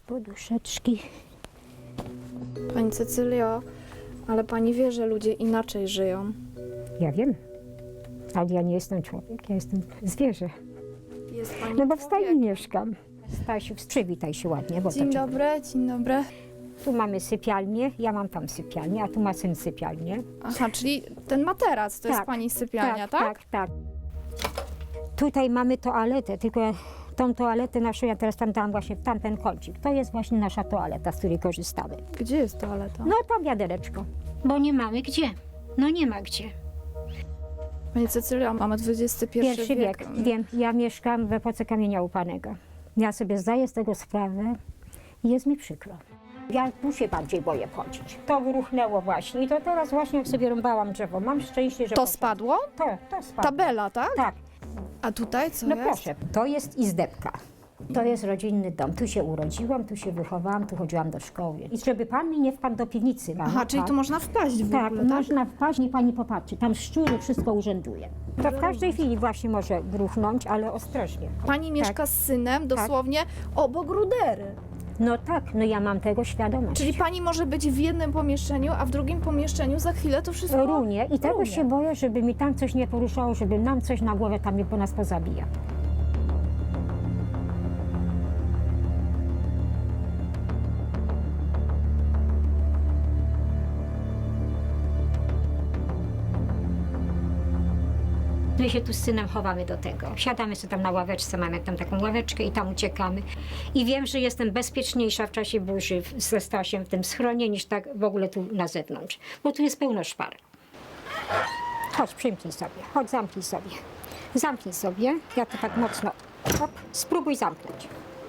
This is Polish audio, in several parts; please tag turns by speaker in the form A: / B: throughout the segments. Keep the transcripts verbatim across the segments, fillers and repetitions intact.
A: poduszeczki.
B: Pani Cecylio, ale pani wie, że ludzie inaczej żyją.
A: Ja wiem, ale ja nie jestem człowiek, ja jestem zwierzę.
B: Jest pani
A: No bo w stajni
B: człowiekiem.
A: mieszkam. Stasiu, przywitaj się ładnie, bo
B: Dzień
A: to cię-
B: dobry, dzień dobry.
A: Tu mamy sypialnię, ja mam tam sypialnię, a tu ma syn sypialnię.
B: Aha, czyli ten materac to jest
A: Tak,
B: pani sypialnia, tak?
A: Tak, tak. Tutaj mamy toaletę, tylko tą toaletę naszą ja teraz tam dałam właśnie w tamten kącik. To jest właśnie nasza toaleta, z której korzystamy.
B: Gdzie jest toaleta?
A: No tam wiadereczko. Bo nie mamy gdzie. No nie ma gdzie.
B: Pani Cecylio, mamy dwudziesty pierwszy
A: Pierwszy wiek.
B: wiek.
A: Wiem, ja mieszkam w epoce kamienia łupanego. Ja sobie zdaję z tego sprawę i jest mi przykro. Ja tu się bardziej boję wchodzić. To wyruchnęło właśnie i to teraz właśnie jak sobie rąbałam drzewo. Mam szczęście, że...
B: To
A: poszło.
B: spadło?
A: To, to spadło.
B: Tabela, tak?
A: Tak.
B: A tutaj co
A: No
B: jest?
A: proszę, to jest izdebka. To jest rodzinny dom. Tu się urodziłam, tu się wychowałam, tu chodziłam do szkoły. I żeby pan mi nie wpadł do piwnicy. Mama,
B: Aha, czyli
A: tak?
B: tu można wpaść w
A: Tak,
B: ogóle, tak?
A: można wpaść, niech pani popatrzy. Tam szczury wszystko urzęduje. To w każdej chwili właśnie może gruchnąć, ale ostrożnie.
B: Pani
A: Tak.
B: mieszka z synem dosłownie obok rudery.
A: No tak, no ja mam tego świadomość.
B: Czyli pani może być w jednym pomieszczeniu, a w drugim pomieszczeniu za chwilę to wszystko
A: Runie i tego
B: runie.
A: się boję, żeby mi tam coś nie poruszało, żeby nam coś na głowę tam nie po nas pozabija. My się tu z synem chowamy do tego. Siadamy sobie tam na ławeczce, mamy tam taką ławeczkę i tam uciekamy. I wiem, że jestem bezpieczniejsza w czasie burzy w- ze Stasiem w tym schronie, niż tak w ogóle tu na zewnątrz. Bo tu jest pełno szpar. Chodź, przymknij sobie. Chodź, zamknij sobie. Zamknij sobie. Ja to tak mocno. Hop, spróbuj zamknąć.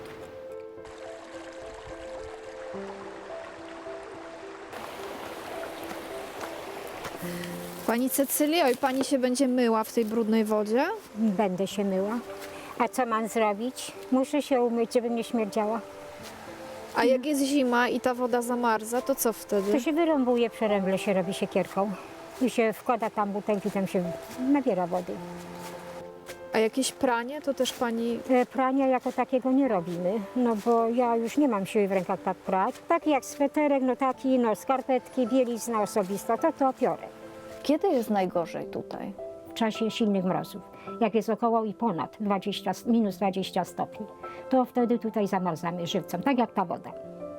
B: Pani Cecylio, i pani się będzie myła w tej brudnej wodzie?
A: Będę się myła. A co mam zrobić? Muszę się umyć, żeby nie śmierdziała.
B: A jak jest zima i ta woda zamarza, to co
A: To
B: wtedy?
A: się wyrąbuje, przeręble się robi siekierką. I się wkłada tam butelki, tam się nabiera wody.
B: A jakieś pranie, to też pani...
A: E, Prania jako takiego nie robimy, no bo ja już nie mam siły w rękach tak prać. Taki jak sweterek, no taki, no skarpetki, bielizna osobista, to to piorę.
B: Kiedy jest najgorzej tutaj?
A: W czasie silnych mrozów, jak jest około i ponad dwadzieścia, minus dwadzieścia stopni, to wtedy tutaj zamarzamy żywcem, tak jak ta woda.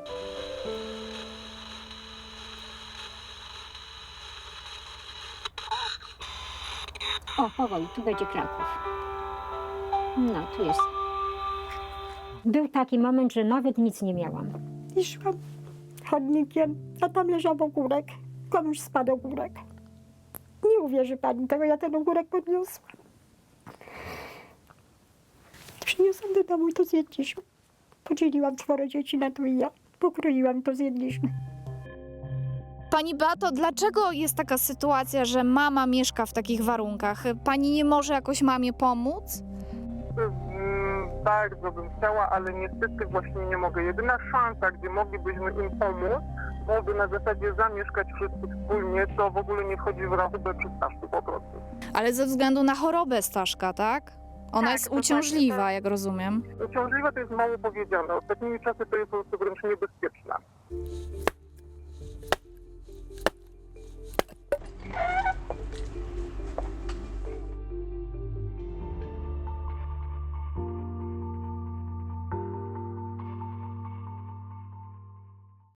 A: O, powoli, tu będzie Kraków. No, tu jest. Był taki moment, że nawet nic nie miałam. I szłam chodnikiem, a tam leżał ogórek. Komuś spadł ogórek. Nie uwierzy pani tego, ja ten ogórek podniosłam. Przyniosłam do domu i to zjedliśmy. Podzieliłam czworo dzieci na to i ja. Pokroiłam i to zjedliśmy.
B: Pani Beato, dlaczego jest taka sytuacja, że mama mieszka w takich warunkach? Pani nie może jakoś mamie pomóc?
C: Mm, Bardzo bym chciała, ale niestety właśnie nie mogę. Jedyna szansa, gdzie moglibyśmy im pomóc, byłoby na zasadzie zamieszkać wszyscy wspólnie, to w ogóle nie wchodzi w rachubę przy Staszku po prostu.
B: Ale ze względu na chorobę Staszka, tak? Ona
C: Tak,
B: jest
C: to znaczy,
B: uciążliwa,
C: to-
B: jak rozumiem.
C: Uciążliwe to jest mało powiedziane. Ostatnimi czasy to jest po prostu wręcz niebezpieczne.